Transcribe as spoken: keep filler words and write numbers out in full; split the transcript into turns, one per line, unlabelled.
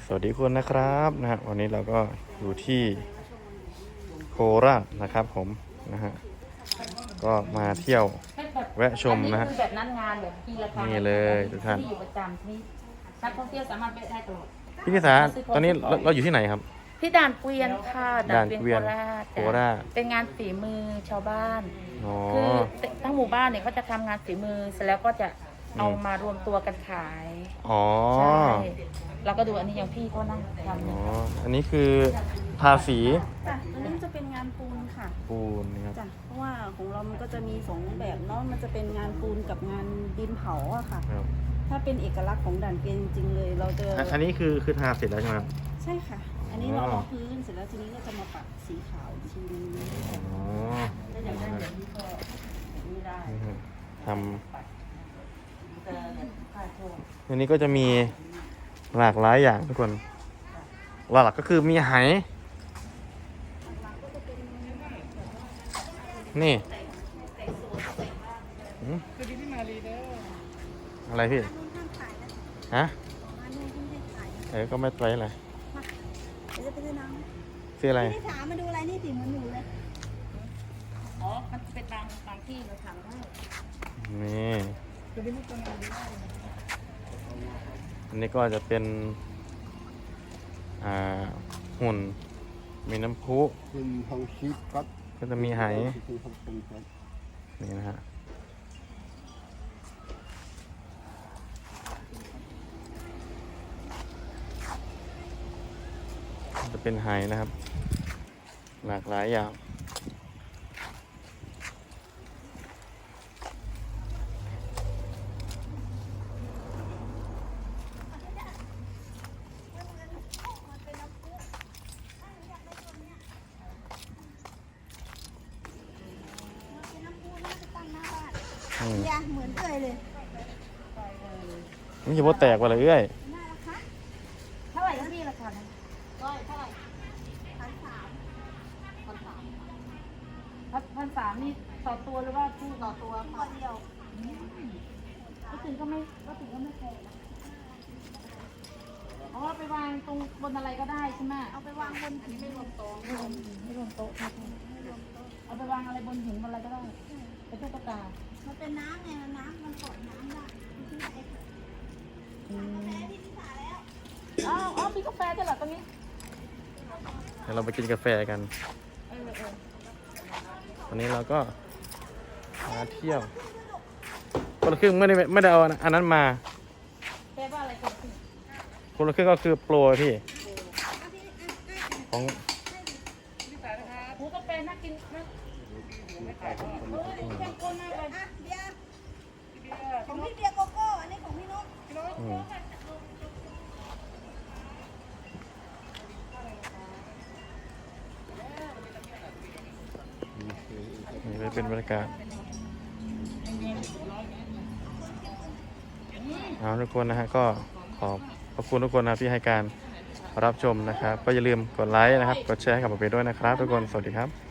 วัสดีคุณนะครับนะฮะวันนี้เราก็อยู่ที่โคราชนะครับผมนะฮะก็มาเที่ยวแวะชมนะฮะ
อันนี้คือแบบนัดงานแบบที่ราคา
นี่เลยทุกท่าน
ที่อยู่ประจำที่นักท่องเที่ยวสามารถไปได้ตลอด
พี่พิสาตอนนี้เราเราอยู่ที่ไหนครับ
ที่ด่านเกวียนค่ะด่านเกวียนโคราช
โคราช
เป็นงานฝีมือชาวบ้าน
อ๋อ
คือทั้งหมู่บ้านเนี่ยเขาจะทำงานฝีมือเสร็จแล้วก็จะเอา
อืม
มารวมตัวกันขาย
อ๋อ
ใช่เราก็ดูอันนี้อย่างพี่เขานั่งทำ
อ๋
เนี่
อย อันนี้คือทาสี
จ้ะอันนี้จะเป็นงานปูนค่ะ
ปูนนะครับ
จ้ะเพราะว่าของเรามันก็จะมีสองแบบเนาะมันจะเป็นงานปูนกับงานดินเผาอะค่ะ
ครับ
ถ้าเป็นเอกลักษณ์ของด่านเกวียนจริงๆเลย เราจะ
อันอันนี้คือคือทาเสร็จแล้วใช่ไหมครับ
ใช่ค่ะ อันนี้เรา
อ๋อ
เอาพื้นเสร็จแล้วทีนี้ก็จะมาปักสีขาวอีกทีนึง
อ๋อ
ถ้าอยากได้แบบนี้ก็แบบนี้ได้
นี่ฮะท
แต่แบบผ้าโชว์
ำอันนี้ก็จะมีหลากหลายอย่างทุกคนหลักๆก็คือมีไหนี่หืมอะไรพี่ฮะเออก็ไม่ไปอะไร
เดี๋ยวจะไปซื้อน้
ซื้ออะไร
ำพี่ถามมาดูอะไรนี่ติเหมือนหนูเลย
อ๋อมันเป็นบางบางที่เราทำได้
นี่อันนี้ก็จะเป็นอ่าหุ่นมีน้ำพุ
เป็นทองชีพครับ
ก็จะมีไห
คือทองคำครับ
นี่นะฮะจะเป็นไหนะครับ หลากหลายอย่างอืม
อย่าเหมือนเอ่ยเลย
นี่จะว่าแตกว่าเลยเอ้ย
น่ารักคะ
เท่าไหร่ก็พี่ราคานั้น
ร้อยเท่าไหร่พันสาม
พันสามพันสามนี่ต่อตัวหรือว่าคู่ต่อตัว
ตัวเดียว
ก็ถึงก็ไม่ก็ถึงก็ไม่แพงนะเพราะว่าไปวางตรงบนอะไรก็ได้ใช่ไหม
เอาไปวางบนหินไม่รวมโต๊ะ
ไม่รวมไม่รวมโต๊ะไม่รวมเอาไปวางอะไรบนหินบนอะไรก็ได้เป็นตุ๊กตา
มันเป็นน้ำไงมันน้ำมันกดน้ำได้ที่ไหน
อืม
แม่พี่นิสาแล้ว
อ้าวอ้าวมีกาแฟด้วยเหรอตรงนี้
เดี๋ยวเราไปกินกาแฟกัน
เออเออ
วันนี้เราก็มาเที่ยวคนละครึ่งไม่ได้ไม่ได้เอาอันนั้นมา
แปลว่าอะไรกันพี่
คนละครึ่งก็คือโปรพี่ของ
หูกาแฟน่ากินนะโอ้ยเข้มข้นมากเลย
อ่ะเบียร์ของพี่เบียร์โกโก้อันนี้ของพี่นก
อืมนี่ก็เป็นบรรยากาศเอาทุกคนนะฮะก็ขอบขอบคุณทุกคนนะที่ให้การรับชมนะครับ ก็อย่าลืมกดไลค์นะครับ กดแชร์ให้กับผมไปด้วยนะครับ ทุกคนสวัสดีครับ